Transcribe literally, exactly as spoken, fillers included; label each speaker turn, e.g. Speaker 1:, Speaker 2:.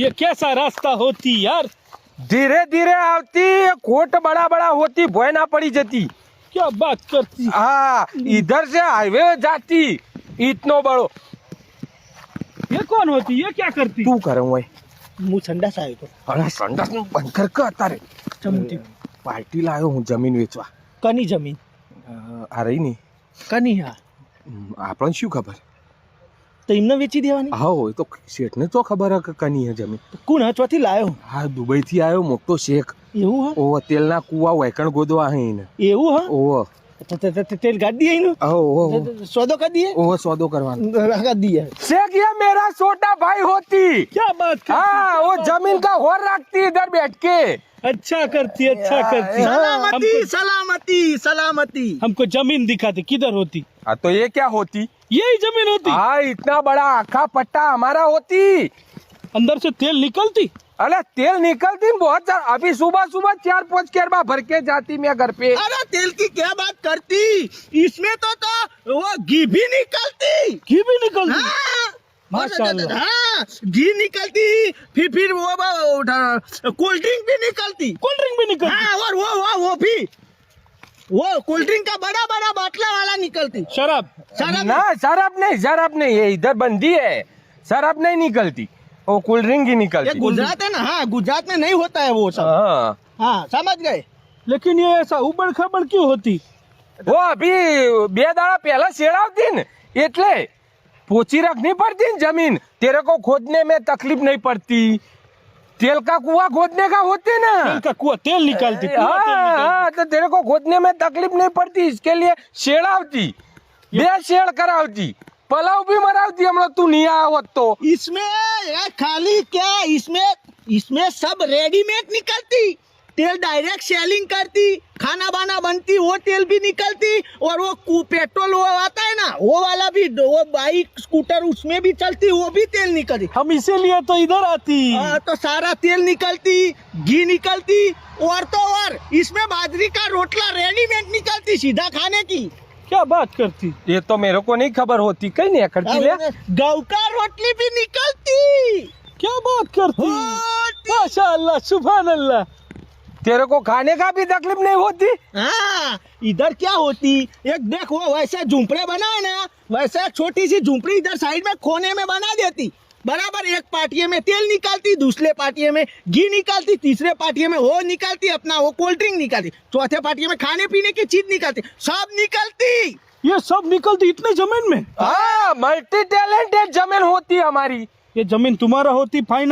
Speaker 1: ये कैसा रास्ता होती यार।
Speaker 2: धीरे धीरे आवती, कोट बड़ा बड़ा होती, भय ना पड़ी जाती।
Speaker 1: क्या बात करती।
Speaker 2: हाँ, इधर से हाईवे जाती, इतनो बड़ो।
Speaker 1: ये कौन होती, ये क्या करती।
Speaker 2: तू करे हुए
Speaker 3: मुँह संडास आयो तो
Speaker 2: अरे संडास નું બંધ કર કે અત્યારે
Speaker 3: ચમતી
Speaker 2: પાર્ટી લાયો હું જમીન વેચવા
Speaker 3: કની જમીન
Speaker 2: આ રહી ની
Speaker 3: કની હા
Speaker 2: આપણને શું ખબર
Speaker 3: તો એમને વેચી દેવાની
Speaker 2: હા હોય તો શેઠને તો ખબર હે કે કની હે જમીન
Speaker 3: કોણ હચવાથી લાયો
Speaker 2: હા દુબઈ થી આવ્યો મોટો શેખ
Speaker 3: એવું હા
Speaker 2: ઓવો તેલના કુવા વૈકણ ગોદવા હે એને
Speaker 3: એવું હા
Speaker 2: ઓવો
Speaker 3: તો તે- તે- તે- તેલ ગાડી दिए इन्हों
Speaker 2: ઓવો
Speaker 3: सौदो कर दिए
Speaker 2: ઓવો સોદો કરવાનો
Speaker 3: कर दिया
Speaker 2: शेख ये मेरा छोटा भाई होती
Speaker 1: क्या बात करती।
Speaker 2: हाँ वो जमीन का होर रखती इधर बैठ के
Speaker 1: अच्छा करती, अच्छा करती।
Speaker 3: सलामती
Speaker 1: हमको,
Speaker 3: सलामती सलामती
Speaker 1: हमको जमीन दिखाती, किधर होती।
Speaker 2: हाँ तो ये क्या होती
Speaker 1: यही जमीन होती।
Speaker 2: हाँ इतना बड़ा आखा पट्टा हमारा होती
Speaker 1: अंदर से तेल निकलती।
Speaker 2: अरे तेल निकलती बहुत ज्यादा। अभी सुबह सुबह चार पाँच केरबा भर के जाती मैं घर पे।
Speaker 3: अरे तेल की क्या बात करती इसमें तो तो वो घी भी निकलती
Speaker 1: घी भी निकलती।
Speaker 3: हाँ
Speaker 1: माशाल्लाह।
Speaker 3: हाँ घी निकलती फिर फिर वो कोल्ड ड्रिंक भी निकलती
Speaker 1: कोल्ड ड्रिंक भी निकलती।
Speaker 3: हाँ और वो वो वो भी वो कोल्ड ड्रिंक का बड़ा बड़ा बाटला वाला निकलती
Speaker 1: शराब।
Speaker 3: शराब
Speaker 2: ना शराब नहीं, शराब नहीं, ये इधर बंदी है। शराब नहीं निकलती, वो कोल्ड ड्रिंक ही
Speaker 3: ये
Speaker 2: निकलती।
Speaker 3: गुजरात है ना हाँ गुजरात में नहीं होता है वो सब
Speaker 2: हाँ
Speaker 3: हाँ समझ गए
Speaker 1: लेकिन ये ऐसा उबड़ खबड़ क्यों होती।
Speaker 2: वो अभी बे दाड़ा पहला शेड़ावती न એટલે पोची रखनी पड़ती न जमीन। तेरे को खोदने में तकलीफ नहीं पड़ती। तेल का कुआं खोदने का होते ना।
Speaker 1: तेल का कुआं तेल निकालती। कुआं तेल
Speaker 2: हाँ
Speaker 1: निकालती।
Speaker 2: हाँ तो तेरे को खोदने में तकलीफ नहीं पड़ती, इसके लिए शेड़ावती, बे शेड़ करावती, पलाव भी मरावती। हम लोग तू नहीं आया हो तो
Speaker 3: इसमें ये खाली क्या इसमें इसमें सब रेडीमेड निकलती तेल डायरेक्ट सेलिंग करती खाना बाना बनती वो तेल भी निकलती और वो कु- पेट्रोल वो आता है ना वो वाला भी वो बाइक स्कूटर उसमें भी चलती वो भी तेल निकलती
Speaker 1: हम इसीलिए तो इधर आती।
Speaker 3: हाँ, तो सारा तेल निकलती घी निकलती और तो और इसमें बाजरी का रोटला रेडीमेड निकलती सीधा खाने की
Speaker 1: क्या बात करती।
Speaker 2: ये तो मेरे को नहीं खबर होती। कहीं नहीं करती ले।
Speaker 3: गौ का रोटली भी निकलती
Speaker 1: क्या बात करती।
Speaker 3: होती।
Speaker 1: माशाअल्लाह, सुभान अल्लाह।
Speaker 2: तेरे को खाने का भी तकलीफ नहीं होती।
Speaker 3: हाँ इधर क्या होती एक देख वो वैसे झूंपड़े बनाए ना वैसे एक छोटी सी झूंपड़ी इधर साइड में कोने में बना देती बराबर एक पाटिये में तेल निकालती दूसरे पाटिये में घी निकालती तीसरे पाटिये में वो निकालती अपना वो कोल्ड ड्रिंक निकालती चौथे पाटिये में खाने पीने की चीज निकालती सब निकलती
Speaker 1: ये सब निकलती इतने जमीन में।
Speaker 2: हाँ मल्टी टैलेंटेड जमीन होती हमारी।
Speaker 1: ये जमीन तुम्हारा होती फाइनल।